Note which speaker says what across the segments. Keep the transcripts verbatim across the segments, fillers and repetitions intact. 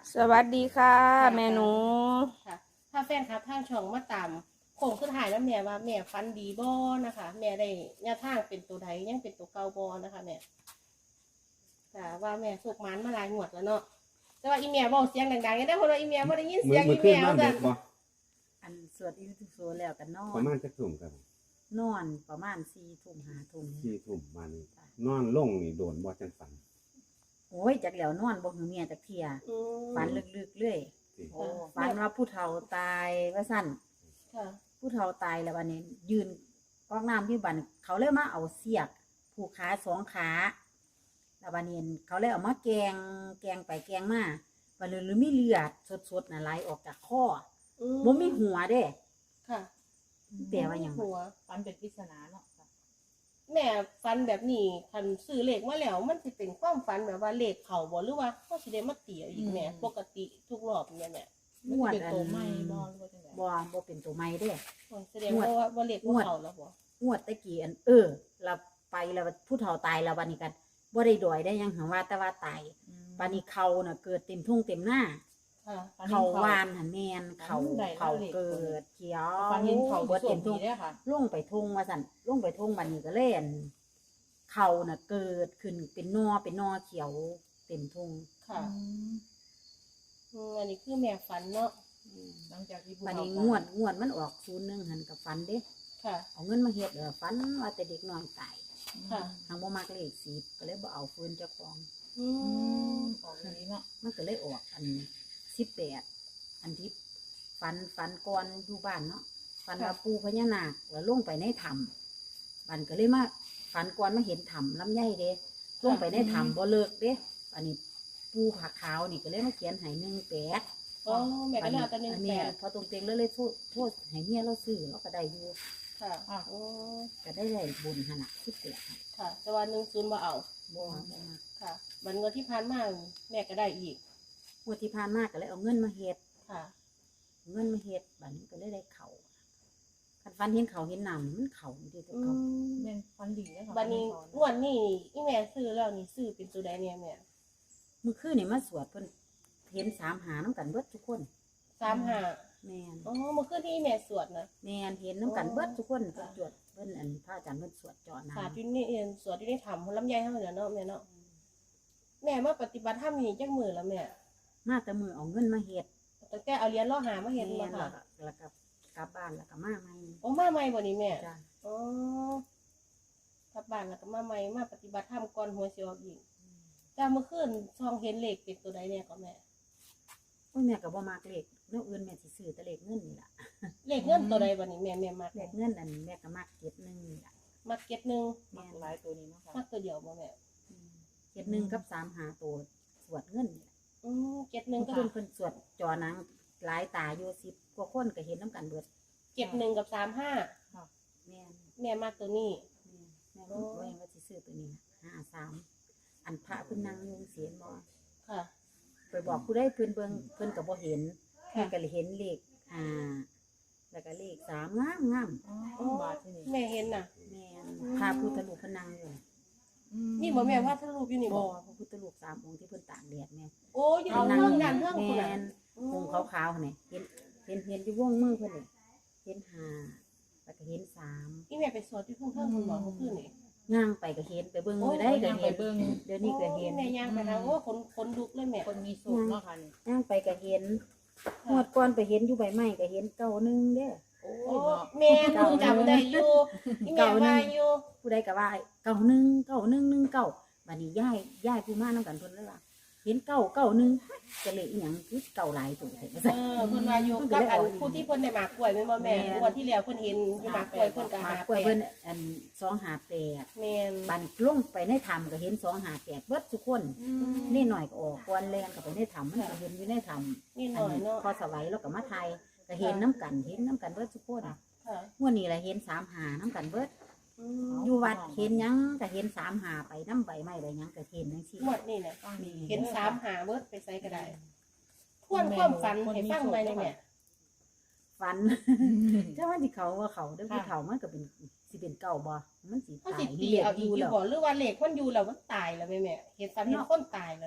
Speaker 1: สวัสดีค่ะแม่หนู
Speaker 2: ค่ะถ้าแฟนครับทางช่องมาตามโค้งสุดท้ายแล้วแม่ว่าแม่ฟันดีบ่นะคะแม่ได้แนวทางเป็นตัวใดยังเป็นตัวเก่าบ่นะคะแม่ค่ะว่าแม่สุกมันมาหลายงวดแล้วเนาะแต่ว่าอีแม่บอกเสียงดังๆยังได้เพราะว่าอีแม่บ่ได้ยิน
Speaker 3: มื
Speaker 2: เสี
Speaker 3: อย
Speaker 2: ง
Speaker 3: มื
Speaker 2: อี
Speaker 3: อขึ้
Speaker 2: แม่
Speaker 3: นนอน
Speaker 2: จ้ะ
Speaker 3: เด็กบ่
Speaker 4: อันสวดอิติปิโสแล้วกันนอ
Speaker 3: ประ
Speaker 4: น
Speaker 3: มาณจักทุ่มครับ
Speaker 4: นอนประมาณสี่ทุ่มห้าทุ่ม
Speaker 3: สี่ทุ่มมานี่นอนลงนี่โดนบ่จังฝัน
Speaker 4: โอ้ยจากแล้วนอนบ่หือเมียจากเทีย
Speaker 2: อืม
Speaker 4: ฝันลึกๆเลย
Speaker 3: สิ
Speaker 2: โอ้
Speaker 4: ฝันว่าผู้เฒ่าตายว่าสั่น
Speaker 2: ค่ะ
Speaker 4: ผู้เฒ่าตายแล้ววันนี้ ยืนกอกน้ำที่บันเขาเลยมาเอาเสียกผูกขาสองขาแล้ววันนี้เขาเลยเอามาแกงแกงไปแกงมาวันนี้หรือมีเลือดสดๆน่ะไหลออกจากคอ
Speaker 2: อื
Speaker 4: บ่มีหัวเด้
Speaker 2: ค่ะ
Speaker 4: แปลว่าหยัง
Speaker 2: หัว
Speaker 5: ฟันเป็นปริศนาเนาะค่ะ
Speaker 2: แม่ฟันแบบนี้คันซื้อเลขมาแล้วมันสิเป็นความฝันแบบว่าเลขเข้าบ่หรือว่าเฮาสิได้มาเตียอีกแม่ปกติทุกรอบเนี่ยแม่
Speaker 5: มัน
Speaker 4: งวด
Speaker 5: เป็น
Speaker 4: อัน
Speaker 5: ตัวไม่บอลว่าจังได
Speaker 4: บ่บ่เป็นตัวไม่เด้
Speaker 2: โอ้ยแสดงว่าว่าเลขบ่เข้าแล้วบ่
Speaker 4: งวดตะกี้อันเออเราไปแล้วผู้เฒ่าตายแล้ววันนี้กันบ่ได้ดอยได้หยังหังว่าแต่ว่าตายวันนี้เขาน่ะเกิดเต็มทุ่งเต็มหน้า
Speaker 2: ค่ะ
Speaker 4: เขาวานหันแมนเขาเขาเกิดเขียว
Speaker 5: ฟันเห็นเขา
Speaker 4: เบิด
Speaker 5: สว
Speaker 4: เต็
Speaker 5: ม
Speaker 4: ม
Speaker 5: ดี
Speaker 4: ทุ่ง
Speaker 5: ได้ค่ะ
Speaker 4: ลงไปทุ่งว่าสั่นลงไปทุ่งวันนี้ก็เล่นเขาน่ะเกิดขึ้นเป็นนอเป็นนอเขียวเต็มทุ่ง
Speaker 2: ค่ะอืมอันนี้คือแม่ฝันเนาะ
Speaker 5: หลังจากที่ผู้
Speaker 4: วัน
Speaker 5: เฒ่า
Speaker 4: นี้
Speaker 5: ตาย
Speaker 4: งวดงวดมันออกศูนย์หนึ่งหันกับฟันเด้
Speaker 2: ค่ะ
Speaker 4: เอาเงินมาเฮ็ดเออฟันว่าแต่เด็กน้อยตาย
Speaker 2: ค่ะ
Speaker 4: ทางบ่มักเลขสิบก็เลยบ่เอาฟืนเจ้าของ
Speaker 2: อื
Speaker 5: อื
Speaker 2: ม
Speaker 5: มออกอย่างนี้เนาะ
Speaker 4: มันก็เลยออกอันสิบแปดอันที่ฟันฟันก่อนอยู่บ้านเนาะฟันว่าปูพญานาคแล้วลงไปในถ้ำมันก็เลยมาฟันก่อนมาเห็นถ้ำลำไยเด้ลงไปในถ้ำบ่เลิกเด้อันนี้ปูผักขาวนี่ก็เลยมาเขียนให้หนึ่งแปด
Speaker 2: อ๋อแม่ก็เลยเอาแต่หนึ่ง
Speaker 4: อัน
Speaker 2: แป
Speaker 4: นี้
Speaker 2: ด
Speaker 4: พอตรงเต็งแล้วเลยโทษโทษให้เมียเราซื้อเราก็ได้อยู่
Speaker 2: ค่ะโอ้
Speaker 4: ก็ได้ได้บุญขนาดสิบแปด
Speaker 2: ค่ะ แต่ว่าหนึ่งศูนย์มาเอา
Speaker 4: บ่บ่มา
Speaker 2: ค่ะวันเงินที่ผ่านมาแม่ก็ได้อีก
Speaker 4: งวดที่ผ่านมาก็เลยเอาเงินมาเฮ็ด
Speaker 2: ค่ะ
Speaker 4: เงินมาเฮ็ดบัดนี้ก็เลยได้เขาคันฟันเห็นเขาเห็นน้ำมันเขาอยู่ที่ตัว
Speaker 2: อื
Speaker 4: เขา
Speaker 2: ม
Speaker 5: เป็นฟันดีได้ค่ะ
Speaker 2: บันนี้งวดนี้อีแม่ซื้อแล้วนี่ซื้อเป็นตัวใดเนี่ยแม่
Speaker 4: เมื่อคืนนี่มาสวดเพิ่นเห็นสามหาน้ำกันเบิดทุกคน
Speaker 2: สามห้า
Speaker 4: แม่น
Speaker 2: อ๋อเมื่อคืนที่อีแม่สวดนะ
Speaker 4: แม่นเห็นน้ำกันเบิดทุกคนเพิ่นสวดเพิ่นอันพระอาจารย์เพิ่นสวดเจาะน้
Speaker 2: ค่ะที่นี่เองสวดที่นี่ทำลำไยเท่าเหนือเนาะแม่เนาะแม่มาปฏิบัติธรรมนี่จักมือแล้วแม่
Speaker 4: ำมาแต่มือเอาเงินมาเฮ็ด
Speaker 2: ตั้งแต่เอาเหรียญล่อหามาเห็น
Speaker 4: แม่
Speaker 2: มาน
Speaker 4: แล้
Speaker 2: ค่ะ
Speaker 4: วก็แล้วก็กลับบ้านแล้วก็มาใหม่
Speaker 2: โอ้มาใหม่บ่นี่แม่
Speaker 4: จ้ะ
Speaker 2: อ๋อกลับบ้านแล้วก็มาใหม่มาปฏิบัติธรรมก่อนหัวสิออกอีกแต่เมื่อคืนซองเห็นเลขเป็นตัวใดเนี่ยก็แม่
Speaker 4: โอ้ยแม่ก็บ่มักเลขแนวอื่นแม่สิซื้อแต่เลขเงินนี่ล่ะ
Speaker 2: เลขเงินตัวใดบ่นี่แม่แม่มัก
Speaker 4: เลขเงินอันแม่ก็มักเก็ดหนึงนี่ล่ะ
Speaker 2: มักเก็ตหนึ่ง
Speaker 5: มักหลายตัวนี้เนาะค่ะ
Speaker 2: มักตัวเดียวบ่แม่
Speaker 4: อืมเก็ดหนึงกับสามหาตัวสวดเงินนี่ล่ะ
Speaker 2: อืมเก็ตหนึ่งก็
Speaker 4: เพิ่นเพิ่นสวดจอหนังหลายตาอยู่สิบกว่าคนก็เห็นน้ำกันเบิด
Speaker 2: เก็ตหนึ่งกับสามห้า
Speaker 4: แม่น
Speaker 2: แม่มักตัวนี้
Speaker 4: แม่นแม่รู้ว่ายังว่าสิซื้อตัวนี้ห้าสามอันพระเพิ่นนั่งยุงเสียนบ่
Speaker 2: ค่ะ
Speaker 4: ไปบอกผู้ใดเพิ่นเบิ่งเพิ่นก็บ่เห็น
Speaker 2: ค่ะ
Speaker 4: แม่ก็เลยเห็นเลขห้าแล้วก็เลขสามงามงาม
Speaker 5: อ๋อบาทที่นี่
Speaker 2: แม่เห็นน่ะ
Speaker 4: แม่นพระพุทธรูปเพิ่นนั่งอยู่
Speaker 2: นี่บ่แม่ว่าถ้ารูปอยู่นี่
Speaker 4: บ่
Speaker 2: บ่
Speaker 4: พระพุทธรูปสามองค์ที่เพิ่นตากแดดแม่
Speaker 2: โอ้ยอยู่ตรงเรื่องด้านเรื่องคุณ
Speaker 4: แม่
Speaker 2: น่ะ
Speaker 4: นองค์ขาวๆนี่เห็นเห็นเห็นอยู่วงมือเพิ่นนี่เห็นห้าแล้วก็เห็นสาม
Speaker 2: นี่แม่ไปสวดที่ทุ่งเทิงคุณบอกเมื่อคืนนี่
Speaker 4: ย่างไปก็เห็นไปเบิ่งมือได้
Speaker 5: ได้
Speaker 4: ก็
Speaker 5: ยังไป
Speaker 4: เห็น
Speaker 5: เบิ่ง
Speaker 4: เดี๋ยวนี้ก็เห็น
Speaker 2: แม่ย่างไปทางโอ้คนคนลุกเลยแม่
Speaker 5: คนมีสูงเนาะค่ะนี่
Speaker 4: ย่างไปก็เห็นงวดก่อนไปเห็นอยู่ใบไม้ก็เห็นเก้าหนึงเด้อ
Speaker 5: โอ้
Speaker 2: โอ้
Speaker 5: ยเนาะ
Speaker 2: แม่คงจำได้อยู่นี่แม่ว่าอยู่
Speaker 4: ผู้ใดก็ว่าเก้าหนึงเก้าหนึงหนึ่งเก้าบัดนี้ย้ายย้ายผู้มานํกันเพิ่นเลยว่าเห็นเก้าเก้าหนึงจะเลยอีหยังคือเก้าหลายตัวแท้
Speaker 2: เออเพิ่นว่าอยู่กับอันผู้ที่เพิ่นได้หมากกล้วยแม่นบ่แม่งวดที่แล้วเพิ่นเห็นอยู่หมากกล้วยเพิ่นก็
Speaker 4: มา
Speaker 2: หาก
Speaker 4: ล้วย
Speaker 2: แป
Speaker 4: เพิ่
Speaker 2: ด
Speaker 4: นอันสองหาแปด
Speaker 2: แม่น
Speaker 4: บัดนี้ลงไปในถ้ำก็เห็นสองหาแปดเบิดทุกคนนี่หน่อยก็ออกกวนแลนก็ไปในถ้ำมันก็เห็นอยู่ในถ้ำ
Speaker 2: นี่หน่อยเนาะ
Speaker 4: พอสวัยแล้วก็มาไทยก็เห็นน้ำกันเห็นน้ำกันเบิดทุกคน
Speaker 2: ค่ะ
Speaker 4: งวดนี้แหละเห็นสามหาน้ำกันเบิด
Speaker 2: อืม
Speaker 4: อยู่วัดเห็นหยังก็เห็นสามหาไปน้ำใบไม้ใบหยังก็เห็นทั้งสี่
Speaker 2: งวดนี่น่ะ
Speaker 4: มี
Speaker 2: เห็นสามหาเบิดไปใส่ก็ได้ทวนความฝันให้ฟังไว้เลยแม่
Speaker 4: ฝันถ้ามันสิเขาว่าเขาเด้อผู้เฒ่ามันก็เป็นสิเป็นเก่าบ่มันสิ
Speaker 2: เขา
Speaker 4: ตา
Speaker 2: สิ
Speaker 4: ย
Speaker 2: ตี
Speaker 4: เรียก
Speaker 2: เอา
Speaker 4: อ
Speaker 2: อีก
Speaker 4: ยู่
Speaker 2: อยู่
Speaker 4: แล้ว
Speaker 2: บ่หรือว่าเลขมันอยู่แล้วมันตายแล้วแม่แม่เห็นฝันเห็นคนตายแล้วแม่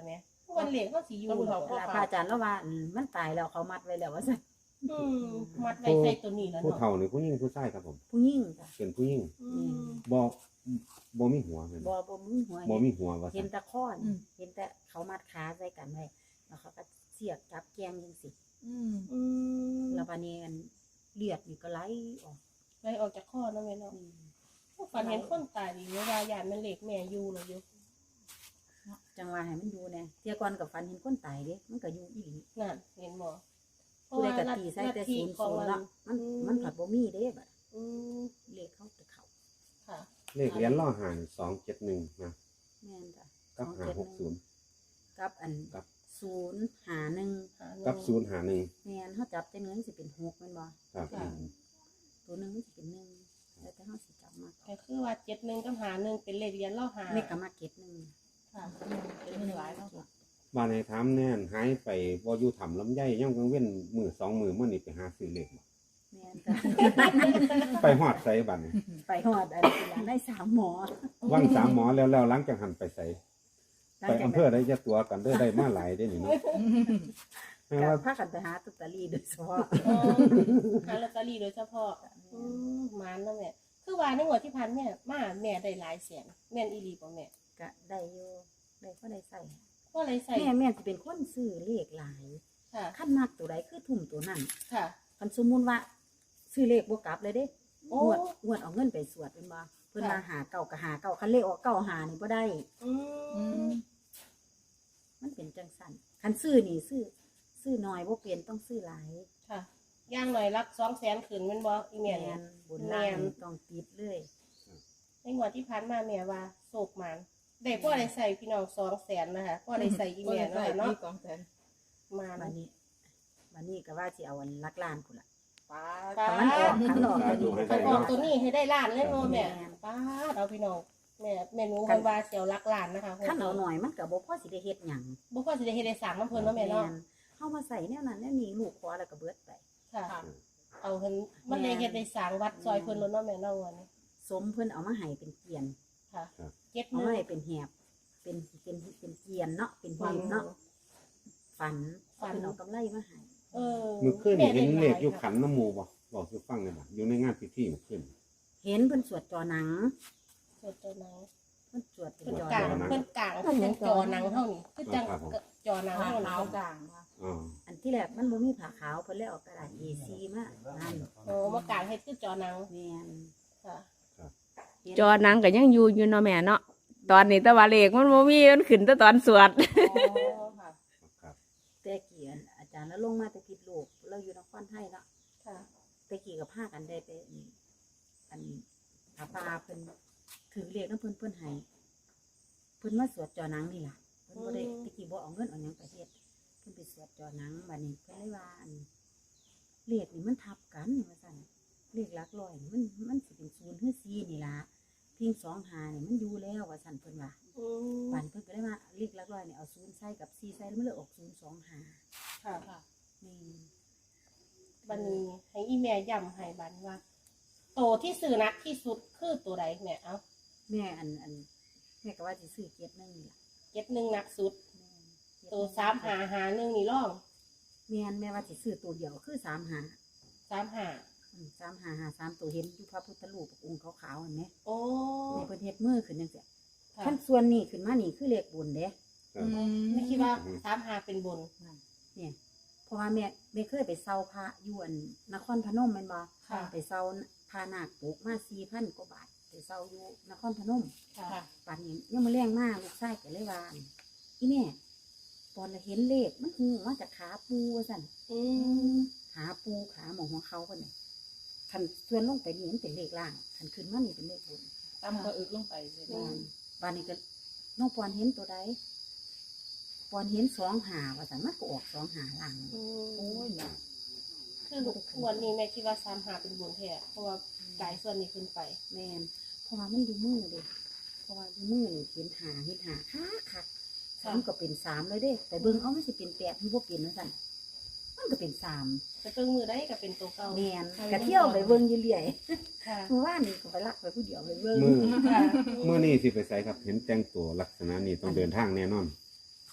Speaker 2: วันเหล็กเขาสิอยู่
Speaker 5: พระพุทธ
Speaker 2: เนาะ
Speaker 5: เจ้า
Speaker 4: พระอาจารย์แล้วว่าอืมมันตายแล้วเขามัดไว้แล้วว่าซั่น
Speaker 2: อืมมัดไว้ใส่ตัวนี้แล้ว
Speaker 3: ผู้
Speaker 2: เนาะ
Speaker 3: เฒ่านี่ผู้หญิงผู้ชายครับผม
Speaker 4: ผู้หญิงจ้ะ
Speaker 3: เป็นผู้หญิง
Speaker 2: อืม
Speaker 3: บ่บ่มีหัวแม่น
Speaker 4: บ่
Speaker 3: บ่
Speaker 4: บ่มีหัว
Speaker 3: บ่มีหัวว่า
Speaker 4: เห็
Speaker 3: ซั่
Speaker 4: น
Speaker 3: น
Speaker 4: แต่ข้อนเห็นแต่เขามัดขาใส่กันไว้แล้วเขาก็เสียบจับแกงจังซี่
Speaker 5: อืม
Speaker 2: อืม
Speaker 4: แล้วบัดนี้อันเลือดนี่ก็ไหลออก
Speaker 2: ไล่ออกจากข้อเนาะแม่เนาะ
Speaker 4: อืม
Speaker 2: ฝันเห็นคนตายดีเวลายานแม่เหล็กแม่อยู่เลยอยู่
Speaker 4: จังว่าให้มันอยู่แน่เที่ยก่อนกับฟันเห็นคนตายเด้มันก็อยู่อีหลี
Speaker 2: นั่นเห็นบ่
Speaker 4: ผู้ใดก็ตีใส่แต่ศูนย์ศูนย์เนาะมันมันผัดบ่มีเด้บัด
Speaker 2: อืม
Speaker 4: เลขเขาจะเข้า
Speaker 2: ค่ะ
Speaker 3: เลขเหรียญล่อหานสองเจ็ดหนึ่งนะ
Speaker 4: แม่นจ้ะ
Speaker 3: กับห้าหกศูนย์
Speaker 4: กับอัน
Speaker 3: กับ
Speaker 4: ศูนย์หาหนึ่ง
Speaker 2: หาเงิน
Speaker 3: กับศูนย์หาหนึ่ง
Speaker 4: แม่นเฮาจับแต่เงินสิเป็นหกแม่นบ่
Speaker 3: ครับ
Speaker 2: ค่ะ
Speaker 4: ตัวหนึงมันสิเป็นหนึ่งแล้วแต่เฮาสิจับมา
Speaker 2: ก็คือว่าเจ็ดหนึ่งกับหาหนึ่งเป็นเลขเรียนล่อหา
Speaker 4: เลขก็มาเก็ตหนึง
Speaker 2: ค่ะ
Speaker 5: เป็นหนึ่งหลายเนาะค่ะ
Speaker 3: บ้านในถามแน่นหายไปบ่อยู่ถ้ำลำไยย่ำกลางเว้นมื้อสองมื้อมื้อนี้ไปหาซื้อเลขบ่
Speaker 4: แม่นจ้ะ
Speaker 3: ไปฮอดไสบัดนี้
Speaker 4: ไปฮอดอันนี้ล่ะได้สามหมอ
Speaker 3: ว่างสามหมอแล้วแล้วหลังจากหันไปไส
Speaker 4: หลัง
Speaker 3: ไป
Speaker 4: จาก
Speaker 3: อำเภอได้จะตัวกันเด้อได้มาหลายได้นี่เนาะแม่
Speaker 4: ก็
Speaker 3: ว่า
Speaker 4: พากันไปหาลอตเตอรี่โดยเฉพาะ
Speaker 2: อ๋อหาลอตเตอรี่โดยเฉพาะอืมหมานแล้วแม่คือว่าในงวดที่ผ่านแม่มาแม่ได้หลายแสนแม่นอีหลีบ่แม่
Speaker 4: ก็ได้อยู่ได้ก็ได้ใส่
Speaker 2: ก็เลยใส่
Speaker 4: แม่แม่สิเป็นคนซื้อเลขหลาย
Speaker 2: ค่ะ
Speaker 4: ขั้นมากตัวใดคือทุ่มตัวนั้น
Speaker 2: ค่ะ
Speaker 4: คันสมมุติว่าซื้อเลขบ่กลับเลยเด้
Speaker 2: โอ้
Speaker 4: งวดงวดเอาเงินไปสวดเป็นบ่เพิ่น
Speaker 2: ค่ะ
Speaker 4: มาหาเก่าก็หาเก่าคันเลขออกเก่าหานี่บ่ได้
Speaker 2: อื
Speaker 5: อื
Speaker 2: ม
Speaker 5: ม
Speaker 4: มันเป็นจังซั่นคันซื้อนี่ซื้อซื้อน้อยบ่เป็นต้องซื้อหลาย
Speaker 2: ค่ะย่างหน่อยรักสองแสนขึ้นแม่นบ่อีแม่เนี่ย
Speaker 4: นบนล่าง
Speaker 2: แม่น
Speaker 4: นี่ต้องติดเลย
Speaker 2: ในงวดที่ผ่านมาแม่ว่าโศกหมานได้พ่อได้ใส่พี่น้องสองแสนนะคะพ่อได้ใส่อีแม่เนาะค่ะเนาะ
Speaker 5: สองแสน
Speaker 2: หมาน
Speaker 4: บัดนี้บัดนี้ก็ว่าสิเอาอันลักล้านพุ่นล่ะ
Speaker 5: ป้า
Speaker 2: ป้า
Speaker 4: คันมันออกคันออกตัวนี้
Speaker 2: คันออกตัวนี้ให้ได้ล้านเลยเนาะแม่
Speaker 4: แม่น
Speaker 2: ป้าดเอาพี่น้องแม่แม่หนูเพิ่นว่าสิเอาลักล้านนะคะ
Speaker 4: คันเอาหน่อยมันก็บ่พอสิได้เฮ็ดหยัง
Speaker 2: บ่พอสิได้เฮ็ดได้สร้างน้ำเพิ่นเนาะแม่เนาะ
Speaker 4: นเฮามาใส่แนวนั้นแนวนี้ลูกขอแล้วก็เบิดไป
Speaker 2: ค่ะ
Speaker 5: ค่ะ
Speaker 2: เอาเพิ่นมันได้เฮ็ดได้สร้างวัดซอยเพิ่นแล้วเนาะแม่เนาะวันนี้
Speaker 4: สมเพิ่นเอามาให้เป็นเกียน
Speaker 2: ค่ะ
Speaker 3: ครับ
Speaker 2: เก็บ
Speaker 4: เอา
Speaker 2: มื
Speaker 4: มา
Speaker 2: อ
Speaker 4: ให้เป็นแหบเป็นเป็นเป็นเกียนเนาะเป็นหีบเนาะฝัน
Speaker 2: ฝัน
Speaker 4: เพิ่นเอากำไรมาให้
Speaker 2: เออ
Speaker 3: มื้อคืนนี่เห็นเลขอยู่
Speaker 2: ค่ะ
Speaker 3: ขันน้ำหมู่บ่บอกสิฟังได้บ่อยู่ในงานพิธีมื้อคืน
Speaker 4: เห็นเพิ่นสวดจอหนัง
Speaker 2: สวดตัวหนัง
Speaker 4: เพิ่นสวดเป็น
Speaker 2: เพิ่น
Speaker 4: จอก
Speaker 2: ลาง
Speaker 4: หนัง
Speaker 2: เพิ่นกลางเพิ่นจังจอหนังเท่านี้คือจังจอหนัง
Speaker 5: หา
Speaker 2: เท่านี้
Speaker 5: ขาวกลางค่ะ
Speaker 3: อ๋อ
Speaker 4: อันที่แรกมันบ่มีผ้าขาวเพิ่นเลยเอากระดาษ เอ ซี มานั่น
Speaker 2: โอ้มากลางเฮ็ดคือจอหนัง
Speaker 4: แม่น
Speaker 2: ค่ะ
Speaker 4: เห็น
Speaker 1: จอหนังก็ยังอยู่อยู่เนาะแม่เนาะตอนนี้แตะวันเลขมันบ่มีมันขึ้นแต่ตอนสวด
Speaker 2: อ๋อค่ะ
Speaker 3: ครับ
Speaker 4: แต่เกียนอาจารย์แล้วลงมาแต่ผิดลูกเราอยู่นครไทยเนาะ
Speaker 2: ค่ะ
Speaker 4: แต่กี้ก็พากันได้ไปอันอันผาป่าเพิ่นถือเลขนำเพิ่นเพิ่นให้เพิ่นมาสวดจอหนังนี่ล่ะเพิ่นบ่ได้แตะกี้บ่เอาเงินเอาหยังไปเฮ็ดเพิ่นไปสวดจอหนังบัดนี้เพิ่นเลยว่าอันเลขนี่มันทับกันว่าซั่นเลขหลักร้อยนี่มันมันสิเป็นศูนย์หรือสี่นี่ล่ะพิงสองหานี่มันอยู่แล้วว่าซั่นเพิ่นว่า
Speaker 2: อืม
Speaker 4: บัดนี้เพิ่นก็เลยว่าเลขหลักร้อยนี่เอาศูนย์ใส่กับสี่ใส่แล้วมันเลยออกศูนย์สองห้า
Speaker 2: ค่ะ
Speaker 5: ค่ะ
Speaker 4: นี่
Speaker 2: บัดนี้ให้อีแม่ย้ำให้บัดว่า โตที่สื่อนักที่สุดคือตัวใดแม่เอ้า
Speaker 4: แม่อันอันแม่ก็ว่าสิซื้อเกียรตินึงนี่ล่ะ
Speaker 2: เจ็ดหนึ่งนักสุด
Speaker 4: แม่นเกียร
Speaker 2: ตัว
Speaker 4: หนึ่ง
Speaker 2: สามหาหาหนึ่งนี่ร่อง
Speaker 4: แม่นแม่ว่าสิซื้อตัวเดียวคือสามหา
Speaker 2: สามหา
Speaker 4: อืมสามหาหาสามตัวเห็นอยู่พระพุทธรูปองค์ขาวๆเห็นไหม
Speaker 2: โอ้
Speaker 4: แม่เพิ่นเฮ็ดมือขึ้นจังซี่
Speaker 2: ค่ะ
Speaker 4: ขั้นส่วนนี้ขึ้นมานี่คือเลขบุญเด้
Speaker 3: ครับ
Speaker 2: ไม่คิดว่าสามหาเป็นบน
Speaker 4: นั่นเนี่ยเพราะว่าแม่แม่เคยไปเซาพระอยู่อันนครพนมแม่นบ่
Speaker 2: ค่ะ
Speaker 4: ไปเซาพานาคปลูกมาสี่พันกว่าบาทไปเซาอยู่นครพนม
Speaker 2: ค่ะ
Speaker 5: ค่ะ
Speaker 4: ป่านนี้ยังมาแรงมากลูกชายก็เลยว่าอีแม่ตอนเราเห็นเลขมันหูมาจากขาปูว่าสั่น
Speaker 2: อืม
Speaker 4: ขาปูขาหมองของเขาคนนี้คันส่วนลงไปนี่มันเป็นเลขล่างคันขึ้นมานี่เป็นเลขบน
Speaker 5: ตำก็อึกลงไปเลย
Speaker 4: บ้านบ้านนี้ก็น้องปอนเห็นตัวใดปอนเห็นสองหาว่าสั่นมันก็ออกสองหาล่าง
Speaker 2: อื
Speaker 5: โอ้
Speaker 2: ม
Speaker 5: ยเนี่ย
Speaker 2: คือลูกส่วนนี้แม่คิดว่าสามหาเป็นบนแท้เพราะว่าจ่ายส่วนนี้ขึ้นไป
Speaker 4: แมนเพราะว่ามันดูมือเด้เพราะว่าดูมือนี่เห็นหาเห็นหาคักคัก
Speaker 2: ค่ะ
Speaker 4: มันก็เป็นสามเลยเด้แต่เบิ่งเอามันสิเป็นแปดที่พวกเป็นนะสั่นมันก็เป็นสาม
Speaker 2: แต่เพิ่งมือได้ก็เป็นตัวเก่า
Speaker 4: แมนกะเที่ยวไปเบิ่งอยู่เรื่อย
Speaker 2: ค่ะ
Speaker 4: เมื่อวานนี่ก็ไปลักไปผู้เดียวไปเบิ่ง
Speaker 3: มือ
Speaker 2: ค่ะ
Speaker 3: มื้อนี้สิไปไสครับ เห็นแต่งตัวลักษณะนี้ต้องเดินทางแน่นอน
Speaker 4: ม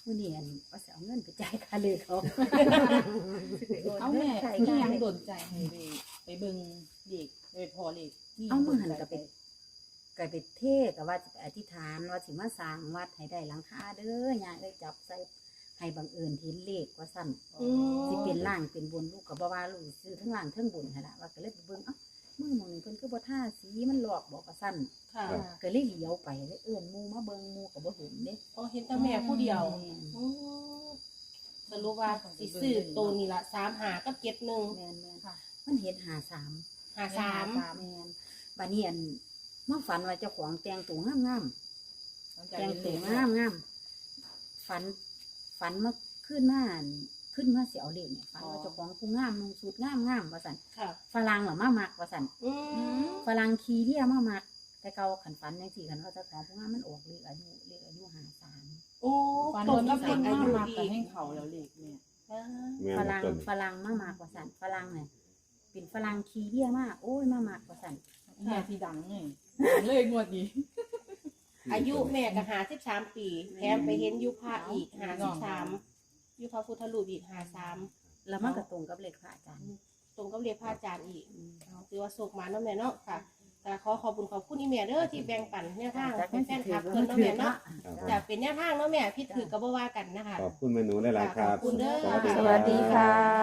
Speaker 4: มื้อนี้อันว่าสิเอาเงินไปจ่ายค่าเลขเขา
Speaker 5: เอาแม่
Speaker 4: ใช่
Speaker 5: ที่ยัง
Speaker 4: ใช่
Speaker 5: โดนใจให้ไปไปเบิ่งเด็กไปพอเด็กนี่
Speaker 4: เอามือหัน
Speaker 5: โดใจ
Speaker 4: กับไปก็ไปเทศกับว่าสิไปอธิษฐานว่าสิมาสร้างวัดให้ได้หลังคาเด้อยายได้จับใส่ให้บังเอิญเห็นเลขว่าสั่น
Speaker 2: อืม
Speaker 4: สิเป็นล่างเป็นบนลูกกับบ่ว่าลูกซื้อทั้งล่างทั้งบนหั่นล่ะว่าก็เลยไปเบิ่งเอ้ามือหมองนี่เพิ่นคือบ่ท่าสีมันหลอกบอกว่าสั่น
Speaker 2: ค่ะ
Speaker 4: ก็เลยเหลียวไปเลยเอิ้นหมู่มาเบิ่งหมู่ก็บ่เห็นเด้
Speaker 2: อ๋อเห็นแต่แม่ผู้เดียว
Speaker 4: แม่น
Speaker 2: อืมสรุปว่าสิซื้อตัวนี้ละสามหากับเจ็ดหนึ่ง
Speaker 4: แม่นแม่น
Speaker 5: ค่ะ
Speaker 4: มันเห็นหาสาม
Speaker 2: หาสาม
Speaker 4: แม่นบัดนี้อันมาฝันว่าเจ้าของแต่งตัวงามๆ
Speaker 5: หลังจาก
Speaker 4: แต่ง
Speaker 5: เห็น
Speaker 4: ตั
Speaker 5: เด็
Speaker 4: ว
Speaker 5: ก
Speaker 4: งามงามฝันฝันมาขึ้นมาอั่นขึ้นมาเสียวเลขเนี่ยฝันว่าเจ้าของผู้งามนุ่งสูทงามงามว่าสัน
Speaker 2: ค่ะ
Speaker 4: ฝรั่งเหรอมามักว่าสัน
Speaker 2: อืม
Speaker 4: ฝรั่งขี่เรียมามัก แต่เก่าขันฝันยังสี่ขันว่าเจ้าของผู้งามมันออกเลขอายุเลขอายุหาสาม
Speaker 2: โอ้
Speaker 5: ฟัน
Speaker 2: ต
Speaker 5: โด
Speaker 2: รง
Speaker 5: น
Speaker 2: กั
Speaker 5: กั
Speaker 2: บบ เด็
Speaker 5: เด็
Speaker 2: ก
Speaker 5: ก
Speaker 2: อา
Speaker 5: อา
Speaker 2: ยุ
Speaker 5: ยุมาก
Speaker 2: ดี
Speaker 5: กับให้เขาแล้วเด็กเนี่ย
Speaker 2: อ่า
Speaker 3: แม่น
Speaker 4: ฝ
Speaker 3: บ่
Speaker 4: รั่ง
Speaker 3: ต้น
Speaker 4: ฝรั่งมามักว่าสันฝรั่งเนี่ยเป็นฝรั่งขี่เรียมาโอ้ยมามักว่าสัน
Speaker 5: แม่ที่ดังไงดังเลยงวดนี้
Speaker 2: อายุแม่ก็หาสิบสามปีแถมไปเห็นยุพระอีกหาสิบสามยุพระพุทธรูปอีกหาสาม
Speaker 4: แล้วมันก็ตรงกับเลขพระอาจารย์
Speaker 2: ตรงกับเรียกพระอาจารย์อีก
Speaker 4: อืม
Speaker 2: เอาถือว่าโศกมาเนาะแม่เนาะค่ะแต่ขอขอบคุณขอบคุณอีแม่เด้อที่แบ่งปันแนวทาง
Speaker 4: จาก
Speaker 2: เป็นแฟนคลับ
Speaker 4: ถื
Speaker 2: เพิ่นเนาะแม่เนาะ
Speaker 3: ครับ
Speaker 2: จะเป็นแนวทางเนาะแม่พี่ถือกับบ่ว่ากันนะคะ
Speaker 3: ขอบคุณแม่หนูหลายๆครับ
Speaker 2: ขอบคุณเด้อ
Speaker 1: สวัสดีค่ะ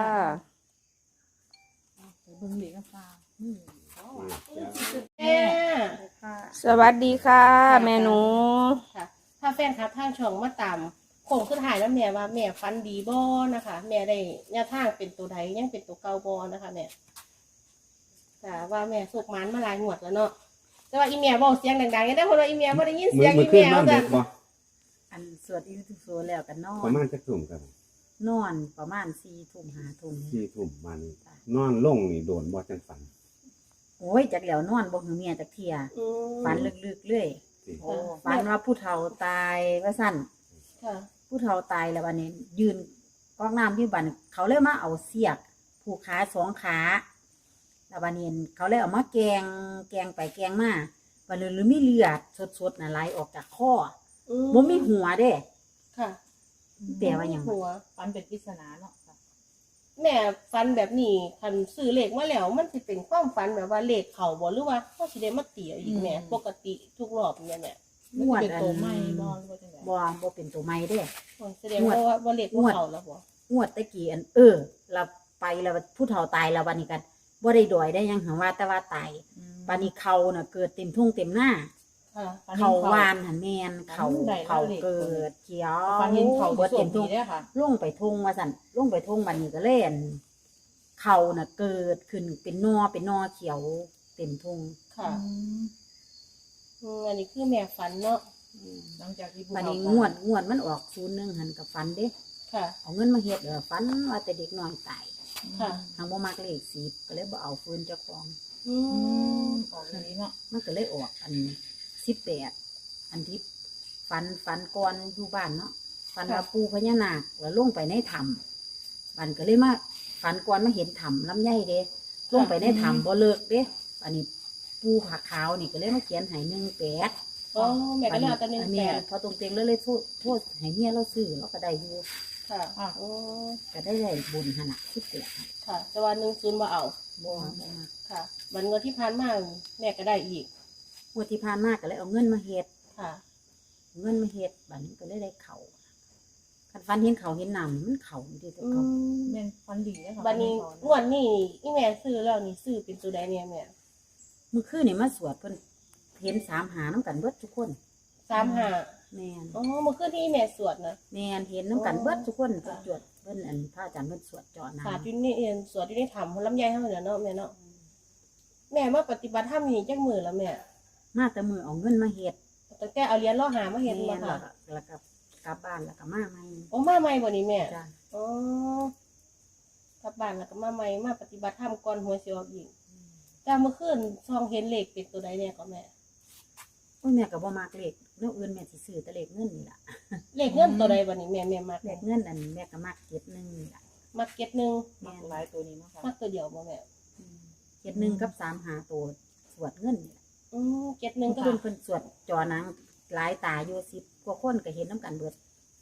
Speaker 5: ไปเบิ่งเด็กกันฟ้าอืม
Speaker 2: แม่
Speaker 1: สวัสดีค่ะ แม่หนู
Speaker 2: ค่ะ ถ้าแฟนคลับทางช่องมาตามโค้งสุดท้ายแล้วแม่ว่าแม่ฟันดีบ่นะคะ แม่ได้แนวทางเป็นตัวใดยังเป็นตัวเก่าบ่นะคะแม่แต่ว่าแม่โศกมันมาหลายงวดแล้วเนาะแต่ว่าอีแม่บอกเสียงดังๆยังได้เพราะว่าอีแม่บ่ได้ยิน
Speaker 3: มื
Speaker 2: เสี
Speaker 3: อย
Speaker 2: ง
Speaker 3: มื
Speaker 2: อี
Speaker 3: อขึ้น
Speaker 2: แม่
Speaker 3: บ้าน
Speaker 2: จ้ะ
Speaker 3: เด็กบ่
Speaker 4: อันสวดอิติโสแล้วกันนอ
Speaker 3: ประ
Speaker 4: น
Speaker 3: มาณจักทุ่มครับ
Speaker 4: นอนประมาณสี่ทุ่มห้าทุ่ม
Speaker 3: สี่ทุ่มมานี่นอนลงนี่โดนบ่จังฝัน
Speaker 4: โอ้ยจากแล้วนอนบ่หือเมียจากเทีย
Speaker 2: อืม
Speaker 4: ฝันลึกๆเลย
Speaker 3: สิ
Speaker 2: โอ้
Speaker 4: ฝันว่าผู้เฒ่าตายว่าสั่น
Speaker 2: ค่ะ
Speaker 4: ผู้เฒ่าตายแล้ววันนี้ ยืนกอกน้ำที่บันเขาเลยมาเอาเสียกผูกขาสองขาแล้ววันนี้เขาเลยเอามาแกงแกงไปแกงมาวันนี้หรือมีเลือดสดๆน่ะไหลออกจากคอ
Speaker 2: อื
Speaker 4: บ่มีหัวเด้
Speaker 2: ค่ะ
Speaker 4: แปลว่าหยัง
Speaker 2: หัว
Speaker 5: ฟันเป็นปริศนาเนาะค่ะ
Speaker 2: แม่ฟันแบบนี้คันซื้อเลขมาแล้วมันสิเป็นความฝันแบบว่าเลขเขาบ่หรือว่าเขาสิได้มาเตียอีกแม่ปกติทุกรอบเนี่ยแม่
Speaker 4: งวด
Speaker 5: เป็น
Speaker 4: อัน
Speaker 5: ตัวไม่บอลหรือว่าจังได
Speaker 4: บ่บ่เป็นตัวไม่เด้
Speaker 2: โอ้ยแสดงว่าว่าว่าเลขบ่เขาแล้วบ่
Speaker 4: งวดตะกี้อันเออเราไปแล้วผู้เฒ่าตายแล้ววันนี้กันบ่ได้ดอยได้หยังหังว่าแต่ว่าตาย
Speaker 5: อืม
Speaker 4: วันนี้เขาน่ะเกิดเต็มทุ่งเต็มหน้า
Speaker 2: ค่ะ
Speaker 5: ฟัน
Speaker 4: เขา
Speaker 5: เห็น
Speaker 4: วานหันแมนเขา
Speaker 5: ได้
Speaker 4: เขา
Speaker 5: แล้ว
Speaker 4: เกิดเขียว
Speaker 5: ฟันเห็นเขา
Speaker 4: เบิด
Speaker 5: ส่
Speaker 4: เต็
Speaker 5: วน
Speaker 4: ม
Speaker 5: ดี
Speaker 4: ทุ่ง
Speaker 5: ได้อค่ะ
Speaker 4: ลงไปทุ่งว่าสั่นลงไปทุ่งบันนี้ก็เล่นเขาน่ะเกิดขึ้นเป็นนอเป็นนอเขียวเต็มทุ่ง
Speaker 2: ค่ะอืมอันนี้คือแม่ฝันเนาะ
Speaker 5: หลังจากที่ผู้
Speaker 4: บัน
Speaker 5: เฒ่า
Speaker 4: นี้
Speaker 5: ตาย
Speaker 4: งวดงวดมันออกศูนย์หนึ่งหันกับฟันเด้
Speaker 2: ค่ะ
Speaker 4: เอาเงินมาเฮ็ดเออฟันว่าแต่เด็กน้อยตาย
Speaker 2: ค่ะ
Speaker 4: ทางบ่มักเลขสิบก็เลยบ่เอาฟืนเจ้าของ
Speaker 2: อื
Speaker 5: อื
Speaker 2: ม
Speaker 5: มออกอย่างนี้เนาะ
Speaker 4: มันก็เลยออกอันสิบแปดอันที่ฟันฟันก่อนอยู่บ้านเนาะฟันว่าปูพญานาคแล้วลงไปในถ้ำมันก็เลยมาฟันก่อนมาเห็นถ้ำลำไยเด้ลงไปในถ้ำบ่เลิกเด้อันนี้ปูผักขาวนี่ก็เลยมาเขียนให้หนึ่งแปด
Speaker 2: อ๋อแม่ก็เลยเอาแต่หนึ่งแป
Speaker 4: แม่
Speaker 2: ด
Speaker 4: พอตรงเต็งแล้วเลยโทษโทษให้เมียเราซื้อเราก็ได้อยู่
Speaker 2: ค่ะโอ้
Speaker 4: ก็ได้ได้บุญขนาดสิบแปด
Speaker 2: ค่ะแต่ว่าหนึ่งศูนย์บ่เอา
Speaker 4: บ่บ่มา
Speaker 2: ค่ะมันเงินที่ผ่านมาแม่ก็ได้อีก
Speaker 4: งวดที่ผ่านมาก็เลยเอาเงินมาเฮ็ด
Speaker 2: ค่ะ
Speaker 4: เงินมาเฮ็ดบัดนี้ก็เลยได้เขาคันฟันเห็นเขาเห็นน้ำนี่มันเขาอยู่ที่ตัว
Speaker 2: อื
Speaker 4: เขา
Speaker 2: ม
Speaker 5: แม่นฟันดีเลยค่ะ
Speaker 2: บัดนี้
Speaker 5: ฟั
Speaker 2: งวดนี้อีแม่ซื้อแล้วนี่ซื้อเป็นตัวใดเนี่ยแม่
Speaker 4: เมื่อคืนนี่มาสวดเพิ่นเห็นสามหาน้ำกันเบิดทุกคน
Speaker 2: สามห้า
Speaker 4: แม่น
Speaker 2: อ๋อเมื่อคืนที่อีแม่สวดนะ
Speaker 4: แม่นเห็นน้ำกันเบิดทุกคนเพิ่นจวดเพิ่นอันพระอาจารย์เพิ่นสวดเจาะน้
Speaker 2: ศาสตร์อยู่นี่เองสวดอยู่ในถ้ำลำไยเท่านั้นเนาะแม่เนาะแม่มาปฏิบัติธรรมนี่จักมือแล้วแม่
Speaker 4: ำมาแต่มือเอาเงินมาเฮ็ด
Speaker 2: ตั้งแต่เอาเหรียญล่อหามาเห็น
Speaker 4: แม่
Speaker 2: มาน
Speaker 4: แล้
Speaker 2: ค่ะ
Speaker 4: วก็แล้วก็กลับบ้านแล้วก็มาใหม่
Speaker 2: โอ้มาใหม่บ่นี่แม่
Speaker 4: จ้ะ
Speaker 2: อ๋อกลับบ้านแล้วก็มาใหม่มาปฏิบัติธรรมก่อนหวยสิออกอีกแต่เมื่อคืนซองเห็นเลขเป็นตัวใดเนี่ยก็แม่
Speaker 4: โอ้ยแม่ก็บ่มักเลขแนวอื่นแม่สิซื้อแต่เลขเงินนี่ล่ะ
Speaker 2: เลขเงินตัวใดบ่นี่แม่แม่มัก
Speaker 4: เลขเงินอันแม่ก็มักเจ็ดหนึ่งนี่ล่ะ
Speaker 2: มักเก็ตหนึ่ง
Speaker 5: มักหลายตัวนี้เนาะค่ะ
Speaker 2: มักตัวเดียวบ่แม่
Speaker 4: เจ็ดหนึ่งกับสามหาตัวสวดเงินนี่ล่ะ
Speaker 2: อืมเก็ตหนึ่งก็
Speaker 4: เพิ่นเพิ่นสวดจอหนังหลายตาอยู่สิบกว่าคนก็เห็นน้ำกันเบิด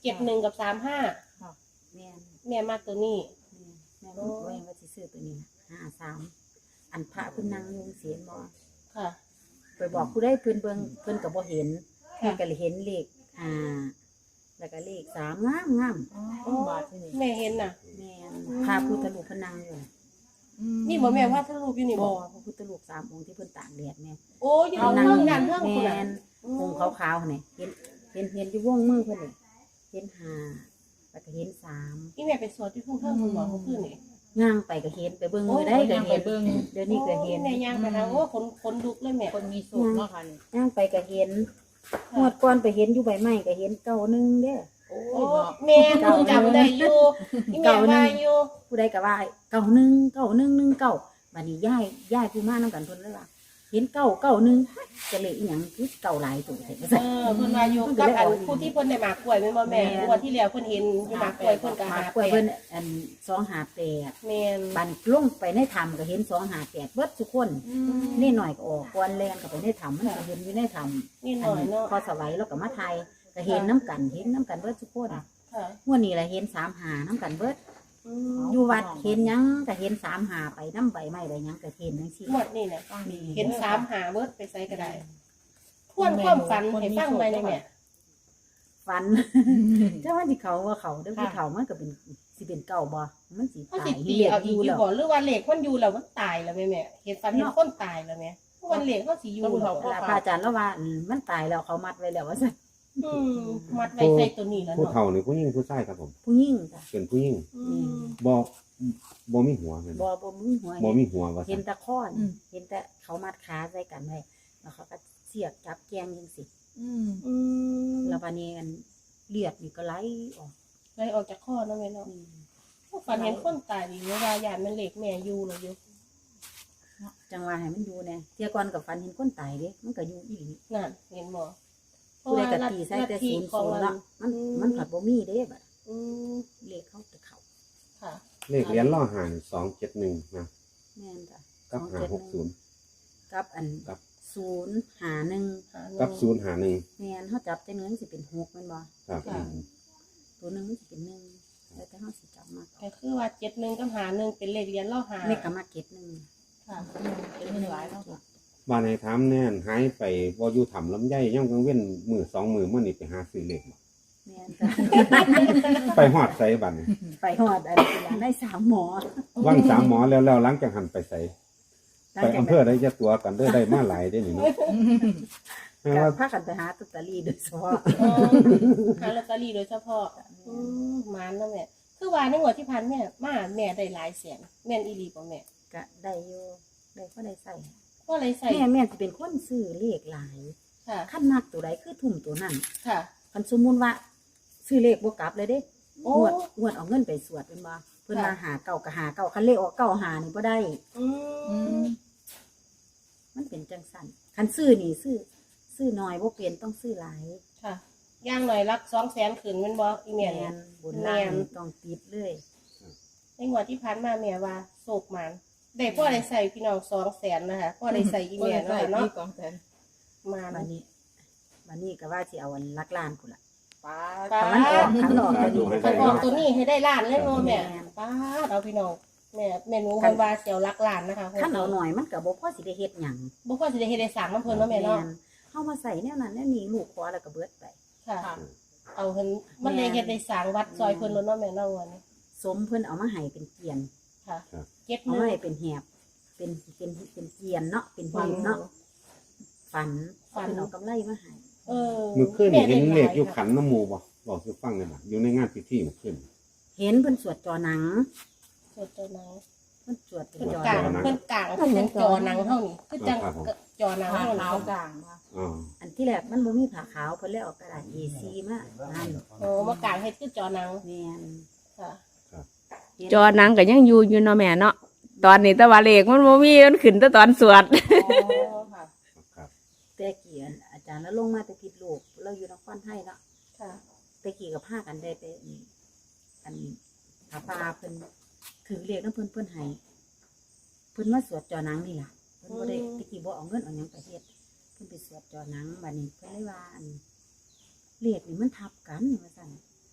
Speaker 2: เจ็ดหนึ่งกับสามห้า
Speaker 4: แม่น
Speaker 2: แม่มากตัวนี้
Speaker 4: แม่นแม่รู้ตัวเองว่าสิซื้อตัวนี้ห้าสามอันพระเพิ่นนั่งอยู่เสียนบ่
Speaker 2: ค่ะ
Speaker 4: ไปบอกผู้ใดเพิ่นเบิ่งเพิ่นก็บ่เห็น
Speaker 2: ค่ะ
Speaker 4: เพิ่นก็เลยเห็นเลขห้าแล้วก็เลขสามงามงาม
Speaker 5: อ๋อบาทที่นี่
Speaker 2: แม่เห็นน่ะ
Speaker 4: แม่นพระพุทธรูปเพิ่นนั่งอยู่
Speaker 2: นี่บ่แม่ว่าถ้ารูปอยู่นี่
Speaker 4: บ่
Speaker 2: บ่
Speaker 4: พระพุทธรูปสามองค์ที่เพิ่นตากแดดแม่
Speaker 2: โอ้ยอยู่ตรงเรื่องด้านเรื่องคุณ
Speaker 4: แม่
Speaker 2: น่ะ
Speaker 4: นองค์ขาวๆนี่เห็นเห็นเห็นอยู่วงมือเพิ่นนี่เห็นห้าแล้วก็เห็นสาม
Speaker 2: นี่แม่ไปสวดที่ทุ่งเทิงคุณบอกเขาขึ้นนี่
Speaker 4: ย่างไปก็เห็นไปเบิ่งมือได้
Speaker 5: ได้
Speaker 4: ก็
Speaker 5: ยังไป
Speaker 4: เห็น
Speaker 5: เบิ่ง
Speaker 4: เดี๋ยวนี้ก็เห็น
Speaker 2: แม่ย่างไปทางโอ้คนคนลุกเลยแม่
Speaker 5: คนมีสุขเนาะค่ะนี่
Speaker 4: ย่างไปก็เห็นงวดก่อนไปเห็นอยู่ใบไม้ก็เห็นเก้าหนึงเด้อ
Speaker 5: โอ้
Speaker 2: โอ้
Speaker 5: ยเนาะ
Speaker 2: แม่เพิ่งจำได้อยู่นี่แม่ว่าอยู่
Speaker 4: ผู้ใดก็ว่าเก้าหนึ่งเก้าหนึ่งหนึ่งเก้าบัดนี้ย้ายย้ายผู้มานํกันเพิ่นเลยว่าเห็นเก้าเก้าหนึ่งจะเลยอีหยังคือเก้าหลายตัวแท้
Speaker 2: เออเพิ่นว่าอยู่กับอันผู้ที่เพิ่นได้หมากกล้วยแม่นบ่แม่วันที่แล้วเพิ่นเห็นอยู่หมากกล้วยเพิ่นก็
Speaker 4: มา
Speaker 2: หาก
Speaker 4: ล้วย
Speaker 2: แป
Speaker 4: เพิ่น
Speaker 2: ด
Speaker 4: อันสองหาแปด
Speaker 2: แม่น
Speaker 4: บันลงไปในถ้ำก็เห็นสองหาแปดเบิดทุกคนนี่หน่อยก็ออกกวนแลนก็ไปในถ้ำมันก็เห็นอยู่ในถ้ำ
Speaker 2: นี่หน่อยเนาะ
Speaker 4: พอสวัยแล้วก็มาไทยก็เห็นน้ำกันเห็นน้ำกันเบิดทุกคน
Speaker 2: ค่ะ
Speaker 4: งวดนี้แหละเห็นสามหาน้ำกันเบิด
Speaker 2: อืม
Speaker 4: อยู่วัดเห็นหยังก็เห็นสามหาไปน้ำใบไม้อะไรหยังก็เห็นทั้งสี่
Speaker 2: หมดนี่น่ะ
Speaker 4: นี่
Speaker 2: เห็นสามหาเบิดไปใส่ก็ได้ทวนความฝันให้ฟังไปเลยแม่
Speaker 4: ฝันถ้าว่าที่เขาว่าเขาเด้อผู้เขามันก็เป็นสิเป็นเก่าบ่มันสิ
Speaker 2: เขา
Speaker 4: ตา
Speaker 2: สิ
Speaker 4: ย
Speaker 2: ตี
Speaker 4: เรียก
Speaker 2: เอา
Speaker 4: อ
Speaker 2: อีก
Speaker 4: ยู่
Speaker 2: อยู่
Speaker 4: แล้ว
Speaker 2: บ่หรือว่าเหล็กมันอยู่แล้วมันตายแล้วแม่แม่เห็นฝันเห็นคนตายแล้วแม่วันเหล็กเขาสิอยู่แล้ว
Speaker 4: เวลาพระอาจารย์แล้วว่าอืมมันตายแล้วเขามัดไว้แล้วว่าซั่น
Speaker 2: อืมมัดไว้ใส่ตัวนี้แล้ว
Speaker 3: ผู้
Speaker 2: เนาะ
Speaker 3: เฒ่านี่ผู้หญิงผู้ชายครับผม
Speaker 4: ผู้หญิงจ้ะ
Speaker 3: เป็นผู้หญิง
Speaker 2: อืม
Speaker 3: บ่บ่มีหัวแม่น
Speaker 4: บ่
Speaker 3: บ่
Speaker 4: บ่มีหัว
Speaker 3: บ่มีหัวว่า
Speaker 4: เห็
Speaker 3: ซั่
Speaker 4: น
Speaker 3: น
Speaker 4: แต่ข้อนเห็นแต่เขามัดขาใส่กันไว้แล้วเขาก็เสียบจับแกงจังซี่
Speaker 5: อืม
Speaker 2: อืม
Speaker 4: แล้วบัดนี้อันเลือดนี่ก็ไหลออก
Speaker 2: ไล่ออกจากข้อเนาะแม่เนาะ
Speaker 4: อืม
Speaker 2: ฝันเห็นคนตายดีเวลาย่านมันเหล็กแม่อยู่แล้วอยู่
Speaker 4: จังว่าให้มันอยู่แน่เที่ยก่อนกับฝันเห็นคนตายเด้มันก็อยู่อีหลี
Speaker 2: นั่นเห็นบ่
Speaker 4: ผู้ใดก็ตีใส่แต่ศูนย์ศูนย์เนาะมันมันผัดบ่มีเด้บัด
Speaker 2: อืม
Speaker 4: เลขเขาจะเข้า
Speaker 2: ค่ะ
Speaker 3: เลขเหรียญล่อหานสองเจ็ดหนึ่งนะ
Speaker 4: แม่นจ้ะ
Speaker 3: กับห้าหกศูนย์
Speaker 4: กับอัน
Speaker 3: กับ
Speaker 4: ศูนย์หาหนึ่ง
Speaker 2: หาเงิน
Speaker 3: กับศูนย์หาหนึ่ง
Speaker 4: แม่นเขาจับแต่เนื้อสิเป็นหกแม่นบ่
Speaker 3: ครับ
Speaker 2: ค่ะ
Speaker 4: ตัวหนึงมันสิเป็นหนึ่งแล้วแต่เขาสิจับมา
Speaker 2: ก็คือว่าเจ็ดหนึ่งกับหาหนึ่งเป็นเลขเรียนเล่าหา
Speaker 4: เลขก็มาเก็ตหนึ่ง
Speaker 2: ค่ะ
Speaker 5: เป็นเงินหลายเนาะค่ะ
Speaker 3: บ้านให้ถามแน่นหายไปบ่อยู่ถ้ำลำไยย่ำกลางเว้นมือสองมือมื้อนี้ไปหาซื้อเลขบ่
Speaker 4: แม่นจ้ะ
Speaker 3: ไปฮอดไสบัดนี้
Speaker 4: ไปหอดอันนี้ล่ะได้สามหมอ
Speaker 3: ว่างสามหมอแล้วแล้วหลังจากหันไปไส
Speaker 4: หลัง
Speaker 3: ไป
Speaker 4: จาก
Speaker 3: อำเภอได้จะตัวกันเด้อได้มาหลายได้อนี่เนาะแม่
Speaker 4: ก็
Speaker 3: ว่า
Speaker 4: พากันไปหาตุตาลีโดยเฉพาะ
Speaker 2: เออหาลอตเตอรี่โดยเฉพาะอืมหมันแล้วแม่คือว่าในงวดที่ผ่านแม่มาแม่ได้หลายแสนแม่นอีหลีบ่แม่
Speaker 4: ก็ได้อยู่ได้ก็ได้ใส่
Speaker 2: ก็เลยใส่
Speaker 4: แม่แม่สิเป็นคนซื้อเลขหลาย
Speaker 2: ค่ะ
Speaker 4: ขั้นมากตัวใดคือทุ่มตัวนั้น
Speaker 2: ค่ะ
Speaker 4: คันสมมุติว่า ซื้อเลขบ่กลับเลยเด้
Speaker 2: โอ้
Speaker 4: งวดงวดเอาเงินไปสวดเป็นบ่เพิ่น
Speaker 2: ค่ะ
Speaker 4: มาหาเก่าก็หาเก่าคันเลขออกเก่าหานี่บ่ได้
Speaker 2: อื
Speaker 5: อื
Speaker 2: ม
Speaker 5: ม
Speaker 4: มันเป็นจังซั่นคันซื้อนี่ซื้อซื้อน้อยบ่เป็นต้องซื้อหลาย
Speaker 2: ค่ะย่างหน่อยรักสองแสนขึ้นแมันบ่อีแม่เนี่ย
Speaker 4: นบนล่าง
Speaker 2: แม่น
Speaker 4: ต้องติดเลย
Speaker 2: ในงวดที่ผ่านมาแม่ว่าโศกหมันได้พ่อได้ใส่พี่น้องสองแสนนะคะพ่อได้ใส่อี
Speaker 5: ก็
Speaker 2: แม่
Speaker 5: เลย
Speaker 2: เนาะ
Speaker 5: ใส่
Speaker 2: เนาะ
Speaker 5: ที่กองแสน
Speaker 2: มา
Speaker 4: บัดนี้บัดนี้ก็ว่าสิเอาอันลักล้านพุ่นล่ะ
Speaker 5: ป้า
Speaker 2: ป้า
Speaker 4: คันมันออกคันออกตัวนี้
Speaker 2: คันออกตัวนี้ให้ได้ล้านเลยเนาะแม่
Speaker 4: แม่น
Speaker 2: ป้าดเอาพี่น้องแม่แม่หนูมันว่าเสียวรักล้านนะคะ
Speaker 4: คันเอาหน่อยมันก็บ่พอสิได้เฮ็ดหยัง
Speaker 2: บ่พ่อสิได้เฮ็ดได้สร้างน้ำเพิ่นเนาะแม่เนาะ
Speaker 4: นเฮามาใส่แนวนั้นแนวนี้ลูกขอแล้วก็เบิดไป
Speaker 2: ค่ะ
Speaker 5: ค่ะ
Speaker 2: เอาเพิ่นมันได้เฮ็ดได้สร้างวัดซอยเพิ่นแล้วเนาะแม่เนาะวันนี้
Speaker 4: สมเพิ่นเอามาให้เป็นเกียน
Speaker 2: ค่ะเก็บ
Speaker 4: เอา
Speaker 2: เงิ
Speaker 4: มาน ให้เป็นแหบเป็นเป็นเป็นเกียนเนาะเป็นหีบเนาะฝัน
Speaker 2: ฝัน
Speaker 4: เพิ่นเอากำไรมาให้
Speaker 2: เออ
Speaker 3: มื้อคืนนี่เห็นเลขอยู่ขันน้ำหมู่บ่บอกสิฟังได้บ่อยู่ในงานพิธีมื้อคืน
Speaker 4: เห็นเพิ่นสวดจอหนัง
Speaker 2: สดตัวหนัง
Speaker 4: เพิ่นสวดเป็น
Speaker 2: เพิ่น
Speaker 4: จอก
Speaker 2: ลาง
Speaker 4: หนัง
Speaker 2: เพิ่นกลางเพิ่นจังจอหนังเท่านี้คือจังจอหนัง
Speaker 5: ขา
Speaker 2: เท่านี้
Speaker 5: ขาวกลางค่ะ
Speaker 3: อ๋อ
Speaker 4: อันที่แรกมันบ่มีผ้าขาวเพิ่นเลยเอากระดาษ เอ ซี มานั่น
Speaker 2: โอ้มากลางเฮ็ดคือจอหนัง
Speaker 4: แม่น
Speaker 2: ค่ะ
Speaker 4: เห็น
Speaker 1: จอหนังก็ยังอยู่อยู่เนาะแม่เนาะตอนนี้แต่ว่าเลขมันบ่มีมันขึ้นแต่ตอนสวด
Speaker 2: อ๋อค่ะ
Speaker 3: ครับ
Speaker 4: แต่กี้อันอาจารย์แล้วลงมาแต่ผิดลูกเราอยู่นครไทยเนาะ
Speaker 2: ค่ะ
Speaker 4: แต่กี้ก็พากันได้ไปนี่อันผาป่าเพิ่นถือเลขนำเพิ่นเพิ่นให้เพิ่นมาสวดจอหนังนี่ล่ะเพิ่นบ่ได้ตะกี้บ่เอาเงินเอาหยังไปเฮ็ดเพิ่นไปสวดจอหนังบัดนี้เพิ่นเลยว่าอันเลขนี่มันทับกันว่าซั่น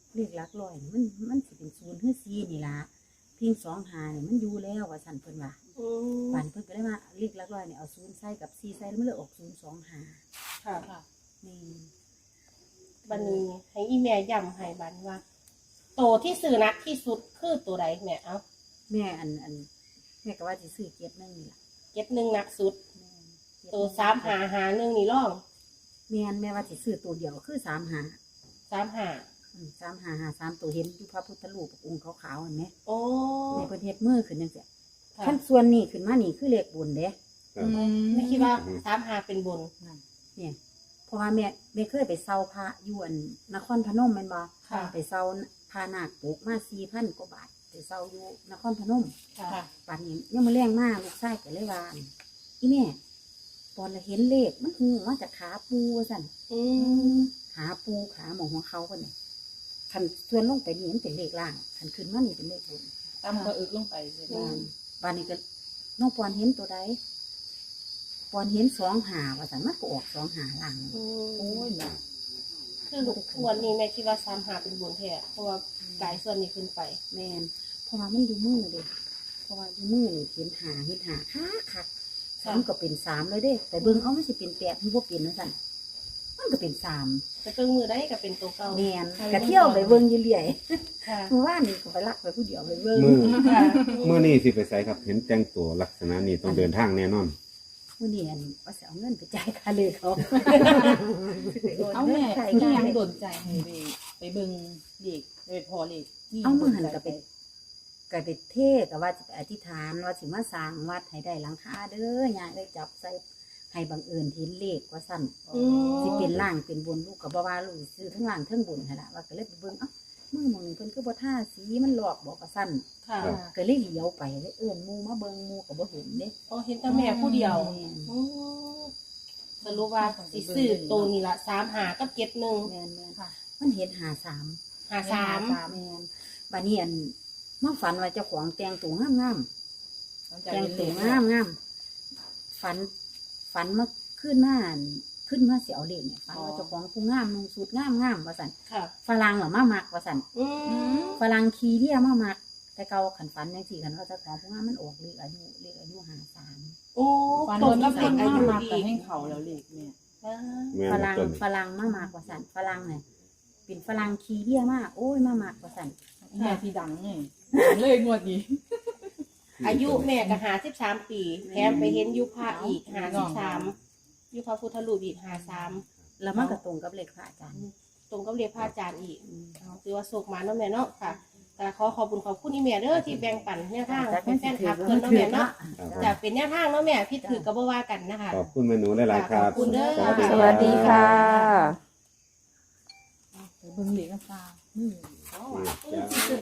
Speaker 4: เลขหลักร้อยนี่มันมันสิเป็นศูนย์หรือสี่นี่ล่ะพิงสองหานี่มันอยู่แล้วว่าสั่นเพิ่นว่า
Speaker 2: อืม
Speaker 4: ปันเพิ่นก็เลยว่าเลขหลักร้อยนี่เอาศูนย์ใส่กับสี่ใส่แล้วมันเลยออกศูนย์สองหา
Speaker 2: ค่ะ
Speaker 5: ค่ะ
Speaker 4: นี่
Speaker 2: บันนี้ให้อีแม่ย้ำให้บันว่า โตที่ซื้อนักที่สุดคือตัวใดแม่เอา
Speaker 4: แม่อันอันแม่ก็ว่าสิซื้อเกียรตินึงนี่ล่ะ
Speaker 2: เจ็ดหนึ่งนักสุด
Speaker 4: แม่นเกียรติ
Speaker 2: ตัวสามหาหาหนึ่งนี่ร่อง
Speaker 4: แม่นแม่ว่าสิซื้อตัวเดียวคือสามหา
Speaker 2: สามหา
Speaker 4: อืมสามหาหาสามตัวเห็นอยู่พระพุทธรูปองค์ขาวๆเห็นไหม
Speaker 2: โอ้
Speaker 4: แม่เพิ่นเฮ็ดมือขึ้นจังซี่
Speaker 2: ค่ะ
Speaker 4: ขั้นส่วนนี้ขึ้นมานี่คือเลขบุญเด้
Speaker 3: ครับ
Speaker 2: ไม่คิดว่าสามหาเป็นบน
Speaker 4: นั่นเนี่ยเพราะว่าแม่แม่เคยไปเซาพระอยวนนครพนมแม่นบ่
Speaker 2: ค่ะ
Speaker 4: ไปเซาพานาคปลูกมาสี่พันกว่าบาทไปเซาอยู่นครพนม
Speaker 2: ค่ะ
Speaker 5: ค่ะ
Speaker 4: ป่านนี้ยังมาแรงมากลูกชายก็เลยว่าอีแม่ตอนเราเห็นเลขมันหูมาจากขาปูว่าสั่น
Speaker 2: อืม
Speaker 4: ขาปูขาหมองหัวเขาคนนี้ขันส่วนลงไปนี่มันเป็นเลขล่างขันขึ้นมานี่เป็นเลขบน
Speaker 5: ตำกระอึกลงไปใช่ไหม
Speaker 4: บ้านบ้านนี้ก็น้องปอนเห็นตัวใดปอนเห็นสองหาว่าสั่นมันก็ออกสองหาล่าง
Speaker 2: อื
Speaker 5: โอ้
Speaker 2: ม
Speaker 5: ยนะ
Speaker 2: คือวันนี้แม่คิดว่าสามหาเป็นบนแท้เพราะว่าไก่ส่วนนี้ขึ้นไป
Speaker 4: แมนเพราะว่ามันดูมือเด้เพราะว่าดูมือนี่เห็นหาเห็นหาคักคักสามก็เป็นสามเลยเด้แต่เบิ่งเอาไม่สิเป็นแปดมันบ่เป็นนะสั่นมันก็เป็นสาม
Speaker 2: แต่เครื่องมือได้ก็เป็นตัวเก่า
Speaker 4: แมนกะเที่ยวไปเบิ่งอยู่เรื่อย
Speaker 2: ค่ะ
Speaker 4: เมื่อวานนี่ก็ไปลักไปผู้เดียวไปเบิ่ง
Speaker 3: มือ
Speaker 2: ค่ะ
Speaker 3: เมื่อนี้สิไปใส่ครับ เห็นแต่งตัวลักษณะนี้ต้องเดินทางแน่นอน
Speaker 4: มื้อนี้อันว่าสิเอาเงินไปจ่ายค่าเลยเขา
Speaker 5: เอาแม่
Speaker 4: ใส่
Speaker 5: ที่
Speaker 4: ได้
Speaker 5: ยังโดนใจให้ไปไปเบิ่งเด็กไปพอเด็กนี่
Speaker 4: เอามือหัน
Speaker 5: โดใจ
Speaker 4: ก็ไปก็ไปเทศก็ว่าสิไปอธิษฐานว่าสิมาสร้างวัดให้ได้หลังคาเด้อยายได้จับใส่ให้บังเอิญเห็นเลขว่าสั่น
Speaker 2: อืม
Speaker 4: สิเป็นล่างเป็นบนลูกก็บ่ว่าลูกสิซื้อทั้งล่างทั้งบนหั่นล่ะว่าก็เลยไปเบิ่งเอ้ามือหมองนี้เพิ่นคือบ่ท่าสีมันหลอกบอกว่าสั่น
Speaker 2: ค่ะ
Speaker 3: ครับ
Speaker 4: ก็เลยเหลียวไปเลยเอิ้นหมู่มาเบิ่งหมู่ก็บ่เห็นเด้
Speaker 2: โอ้เห็นแต่แม่ผู้เดียว
Speaker 4: แม่น
Speaker 2: อืมสรุปว่าสิซื้อตัวนี้ละสามหากับเจ็ดหนึ่ง
Speaker 4: แม่นแม่น
Speaker 2: ค่ะ
Speaker 4: มันเห็นหาสาม
Speaker 2: หาสาม
Speaker 4: แม่นบัดนี้อันมาฝันว่าเจ้าของแต่งตัวงาม
Speaker 5: หลัง
Speaker 4: ๆ
Speaker 5: จาก
Speaker 4: แต่ง
Speaker 5: เห็น
Speaker 4: ตั
Speaker 5: เด็
Speaker 4: ว
Speaker 5: ก
Speaker 4: งามๆฝันฝันมาขึ้นมาอั่นขึ้นมาสิเอาเลขเนี่ยฝันว่าเจ้าของผู้งามนุ่งสูทงามๆว่าซั่น
Speaker 2: ค่ะ
Speaker 4: ฝรั่งเหรอมามักว่าซั่น
Speaker 2: อืม
Speaker 4: ฝรั่งขี่เรียมามัก แต่เก่าขันฝันจังซี่คันว่าเจ้าของผู้งามมันออกเลขอายุเลขอายุห้าสาม
Speaker 2: โอ้
Speaker 5: ฟัน
Speaker 2: ต
Speaker 5: โด
Speaker 2: รง
Speaker 5: น
Speaker 2: กั
Speaker 5: กั
Speaker 2: บบ เด็
Speaker 5: เด็
Speaker 2: ก
Speaker 5: ก
Speaker 2: อา
Speaker 5: อา
Speaker 2: ยุ
Speaker 5: ยุมาก
Speaker 2: ดี
Speaker 5: แต่ให้เขาแล้วเด็กเนี่ย
Speaker 2: อ่า
Speaker 3: แม่น
Speaker 4: ฝ
Speaker 3: บ่
Speaker 4: รั่ง
Speaker 3: ต้น
Speaker 4: ฝรั่งมามักว่าซั่นฝรั่งเนี่ยเป็นฝรั่งขี่เรียมาโอ้ยมามักว่าซั่น
Speaker 5: แม่ที่ดังไงดังเลยงวดนี้
Speaker 2: อายุแม่ก็หาสิบสามปีแถมไปเห็นยุพระอีกหาสิบสามยุพระพุทธรูปอีกหาสาม
Speaker 4: แล้วมันก็ตรงกับเลขพระอาจารย์
Speaker 2: ตรงกับเรียกพระอาจารย์อีก
Speaker 4: อืม
Speaker 2: เอาถือว่าโศกมาเนาะแม่เนาะค่ะแต่ขอขอบคุณขอบคุณอีแม่เด้อที่แบ่งปันแนวทางเป็นแฟนคลับเพิ่นเนาะแม่เนาะ
Speaker 3: ครับ
Speaker 2: จะเป็นแนวทางเนาะแม่พี่ถือกับบ่ว่ากันนะคะ
Speaker 3: ขอบคุณแม่หนูหลายๆครับ
Speaker 2: ขอบคุณเด้อ
Speaker 1: สวัสดีค่ะ
Speaker 5: ไปเบิ่งเด็กกันฟ้าอืม
Speaker 3: นี่จ้า